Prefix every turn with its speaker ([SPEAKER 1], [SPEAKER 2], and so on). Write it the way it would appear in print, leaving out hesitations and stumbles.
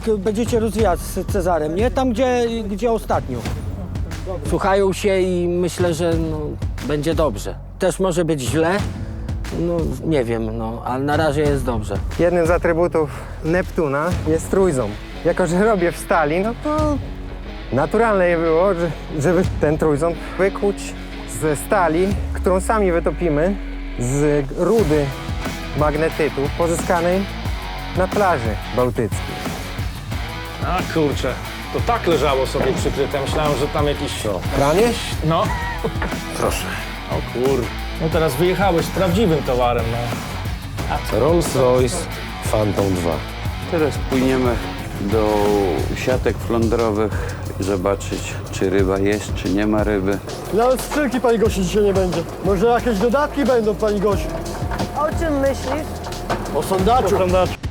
[SPEAKER 1] będziecie rozwijać z Cezarem, nie? Tam, gdzie ostatnio. Słuchają się i myślę, że no, będzie dobrze. Też może być źle, no nie wiem, no, ale na razie jest dobrze.
[SPEAKER 2] Jednym z atrybutów Neptuna jest trójząb. Jako że robię w stali, no to naturalne było, żeby ten trójząb wykuć ze stali, którą sami wytopimy z rudy magnetytu pozyskanej na plaży bałtyckiej.
[SPEAKER 3] A kurczę, to tak leżało sobie przykryte. Myślałem, że tam jakiś...
[SPEAKER 2] Pranie?
[SPEAKER 3] No.
[SPEAKER 4] Proszę.
[SPEAKER 3] O kur... No teraz wyjechałeś z prawdziwym towarem, no.
[SPEAKER 4] Rolls-Royce Phantom 2.
[SPEAKER 5] Teraz płyniemy do siatek flądrowych i zobaczyć, czy ryba jest, czy nie ma ryby.
[SPEAKER 6] Nawet skrzynki pani Gosi dzisiaj nie będzie. Może jakieś dodatki będą, pani Gosiu?
[SPEAKER 7] O czym myślisz?
[SPEAKER 6] O sondaczu.